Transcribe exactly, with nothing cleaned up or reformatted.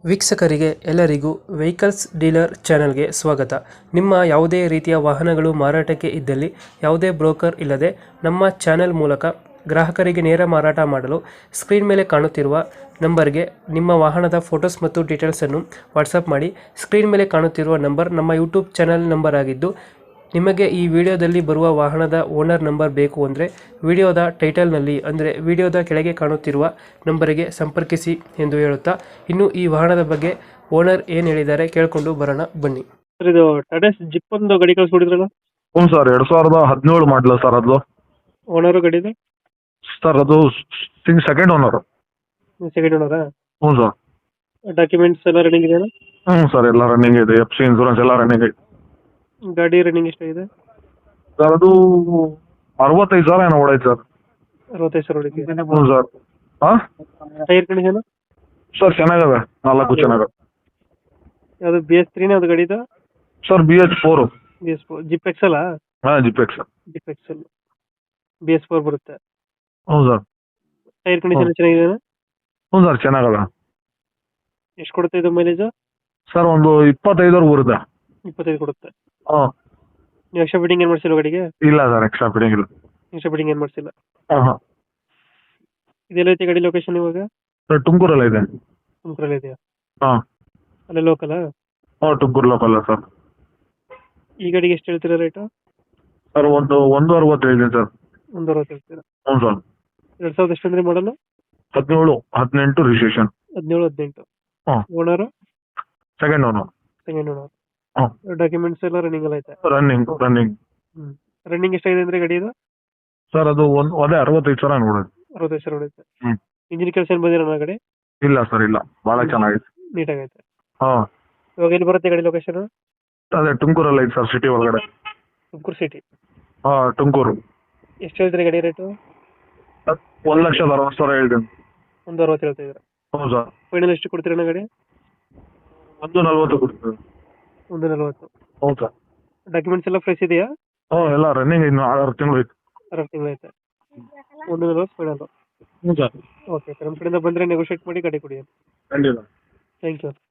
ವೀಕ್ಷಕರಿಗೆ ಎಲ್ಲರಿಗೂ vehicles dealer ಚಾನೆಲ್ಗೆ ಸ್ವಾಗತ. ನಿಮ್ಮ ಯಾವುದೇ ರೀತಿಯ ವಾಹನಗಳು ಮಾರಾಟಕ್ಕೆ ಇದ್ದಲ್ಲಿ ಯಾವುದೇ ಬ್ರೋಕರ್ ಇಲ್ಲದೆ ನಮ್ಮ ಚಾನೆಲ್ ಮೂಲಕ ಗ್ರಾಹಕರಿಗೆ ನೇರ ಮಾರಾಟ ಮಾಡಲು ಸ್ಕ್ರೀನ್ ಮೇಲೆ ಕಾಣುತ್ತಿರುವ ನಂಬರ್ಗೆ ನಿಮ್ಮ ವಾಹನದ ಫೋಟೋಸ್ ಮತ್ತು ಡೀಟೇಲ್ಸನ್ನು ವಾಟ್ಸಪ್ ಮಾಡಿ. ಸ್ಕ್ರೀನ್ ಮೇಲೆ ಕಾಣುತ್ತಿರುವ ನಂಬರ್ ನಮ್ಮ ಯೂಟ್ಯೂಬ್ ಚಾನೆಲ್ ನಂಬರ್ ಆಗಿದ್ದು, ನಿಮಗೆ ಈ ವಿಡಿಯೋದಲ್ಲಿ ಬರುವ ವಾಹನದ ಓನರ್ ನಂಬರ್ ಬೇಕು ಅಂದರೆ ವಿಡಿಯೋದ ಟೈಟಲ್ನಲ್ಲಿ ಅಂದರೆ ವಿಡಿಯೋದ ಕೆಳಗೆ ಕಾಣುತ್ತಿರುವ ನಂಬರಿಗೆ ಸಂಪರ್ಕಿಸಿ ಎಂದು ಹೇಳುತ್ತಾ, ಇನ್ನು ಈ ವಾಹನದ ಬಗ್ಗೆ ಓನರ್ ಏನು ಹೇಳಿದ್ದಾರೆ ಕೇಳಿಕೊಂಡು ಬರೋಣ ಬನ್ನಿ. ಸರ್, ಇದು ಟಾಟಾ ಜಿಪ್ ಒಂದು ಗಾಡಿ ಕಳಿಸ್ಬಿಟ್ಟಿದ್ರಲ್ಲ? ಹ್ಞೂ ಸರ್, ಎರಡು ಸಾವಿರದ ಹದಿನೇಳು ಮಾಡಲ ಸರ್. ಅದು ಓನರು ಗಾಡಿದು? ಸರ್ ಅದು ಸಿಂಗ್ ಸೆಕೆಂಡ್ ಓನರು. ಸೆಕೆಂಡ್ ಓನರಾ? ಹ್ಞೂ ಸರ್. ಡಾಕ್ಯುಮೆಂಟ್ಸ್ ಎಲ್ಲ ರನ್ನಿಂಗ್ ಇದೆಯಾ? ಹ್ಞೂ ಸರ್, ಎಲ್ಲ ರನ್ನಿಂಗ್ ಇದೆ. ಎಫ್ ಸಿ ಇನ್ಸೂರೆನ್ಸ್ ಎಲ್ಲ ರನ್ನಿಂಗ್ ಇದೆ. ಗಾಡಿ ರನ್ನಿಂಗ್ ಎಷ್ಟಾಗಿದೆ ಸರ್ ಅದು ಅರವತ್ತೈದು ಸಾವಿರ ಏನೋ ಓಡೈತೆ ಸರ್. ಅರವತ್ತೈದು ಸಾವಿರ ಹೊಡಿತೀವಿ. ಹ್ಞೂ ಸರ್. ಹಾಂ ಟೈರ್ ಕಂಡೀಷನ್? ಸರ್ ಚೆನ್ನಾಗವೆ, ನಾಲ್ಕು ಚೆನ್ನಾಗವೆ. ಯಾವುದು ಬಿ ಎಸ್ ತ್ರೀನೇ ಅದು ಗಾಡಿದು? Sir B H four. B S four zip ಎಕ್ಸಲ್ಲ? ಹಾಂ zip X. Zip excel B S four ಬರುತ್ತೆ. ಹ್ಞೂ ಸರ್. ಟೈರ್ ಕಂಡೀಷನ್ ಚೆನ್ನಾಗಿದೆ? ಹ್ಞೂ ಸರ್ ಚೆನ್ನಾಗವೆ. ಎಷ್ಟು ಕೊಡುತ್ತೆ ಇದು ಮೈಲೇಜ್? ಸರ್ ಒಂದು ಇಪ್ಪತ್ತೈದವರೆಗೂ ಬರುತ್ತೆ. ಇಪ್ಪತ್ತೈದು ಕೊಡುತ್ತೆ. ಹಾಂ. ನೀವು ಎಕ್ಸ್ಟ್ರಾ ಫಿಟ್ಟಿಂಗ್ ಏನು ಮಾಡಿಸಿಲ್ಲ ಗಾಡಿಗೆ? ಇಲ್ಲ ಸರ್, ಎಕ್ಸ್ಟ್ರಾ ಫಿಟ್ಟಿಂಗ್ ಇಲ್ಲ. ಎಕ್ಸ್ಟ್ರಾ ಫಿಟ್ಟಿಂಗ್ ಏನು ಮಾಡಿಸಿಲ್ಲ. ಹಾಂ ಹಾಂ. ಇದೆಲ್ಲೈತೆ ಗಾಡಿ ಲೊಕೇಶನ್ ಇವಾಗ? ಸರ್ ತುಮಕೂರಲ್ಲ ಇದೆ. ತುಮಕೂರಲ್ಲಿ ಇದೆಯಾ? ಹಾಂ. ಅಲ್ಲೇ ಲೋಕಲ್? ಹಾಂ ತುಮಕೂರು ಲೋಕಲ್ ಸರ್. ಈ ಗಾಡಿಗೆ ಎಷ್ಟು ಹೇಳ್ತೀರಾ ರೇಟು? ಸರ್ ಒಂದು ಒಂದು ಅರವತ್ತು ಹೇಳಿದ್ದೀನಿ ಸರ್. ಒಂದು ಅರವತ್ತು ಹೇಳ್ತೀರಾ? ಹ್ಞೂ ಸರ್. ಎರಡು ಸಾವಿರದ ಎಷ್ಟು ಅಂದರೆ ಮಾಡಲು? ಹದಿನೇಳು ಹದಿನೆಂಟು ರಿಜಿಸ್ಟ್ರೇಷನ್. ಹದಿನೇಳು ಹದಿನೆಂಟು. ಹಾಂ. Owner? Second owner. Second owner. ಹಾಂ. ಡಾಕ್ಯುಮೆಂಟ್ಸ್ ಎಲ್ಲ ರನ್ನಿಂಗ್ ಎಲ್ಲ ಐತೆ? Running running. ಹ್ಞೂ. ರನ್ನಿಂಗ್ ಎಷ್ಟಾಗಿದೆ ಅಂದರೆ ಗಾಡಿ ಇದು? ಸರ್ ಅದು ಒಂದು ಅದೇ ಅರವತ್ತೈದು ಸಾವಿರ ನೋಡೋದು. ಅರವತ್ತೈದು ಸಾವಿರ ಹೊಡೆಯುತ್ತೆ. ಹ್ಞೂ. ಇಂಜಿನ್ ಕೆಲಸ ಏನು ಬಂದಿರೋ ಗಾಡಿ? ಇಲ್ಲ ಸರ್, ಇಲ್ಲ, ಭಾಳ ಚೆನ್ನಾಗಿದೆ. ನೀಟಾಗೈತೆ. ಹಾಂ. ಇವಾಗ ಎಲ್ಲಿ ಬರುತ್ತೆ ಗಾಡಿ ಲೊಕೇಶನ್? ಅದೇ ತುಮಕೂರಲ್ಲಿ ಐತೆ ಸರ್, ಸಿಟಿ ಒಳಗಡೆ. ತುಮಕೂರು ಸಿಟಿ? ಹಾಂ ತುಮಕೂರು. ಎಷ್ಟು ಹೇಳ್ತೀರಿ ಗಾಡಿ ರೇಟು? ಒಂದು ಲಕ್ಷದ ಅರವತ್ತು ಸಾವಿರ ಹೇಳ್ತೀನಿ. ಒಂದು ಅರವತ್ತು ಹೇಳ್ತಾ ಇದ್ದೀರಾ? ಹ್ಞೂ ಸರ್. ಫೈನಲ್ ಎಷ್ಟು ಕೊಡ್ತೀರಣ್ಣ ಗಾಡಿ? ಒಂದು ನಲ್ವತ್ತು ಕೊಡ್ತೀವಿ. ಒಂದು ನಲ್ವತ್ತು. ಹ್ಞೂ ಸರ್. ಡಾಕ್ಯುಮೆಂಟ್ಸ್ ಎಲ್ಲ ಫ್ರೆಶ್ ಇದೆಯಾ? ಹ್ಞೂ ಎಲ್ಲ ರನ್ನಿಂಗ್, ಇನ್ನು ಆರು ತಿಂಗಳು ಐತೆ. ಆರು ತಿಂಗಳು ಐತೆ. ಒಂದು ನಲ್ವತ್ತು ಫೈನಲ್? ಹ್ಞೂ ಸರ್. ಓಕೆ ಸರ್, ನಮ್ಮ ಕಡೆಯಿಂದ ಬಂದರೆ ನೆಗೋಷಿಯೇಟ್ ಮಾಡಿ ಗಾಡಿ ಕೊಡಿ. ಖಂಡಿತ. Thank you.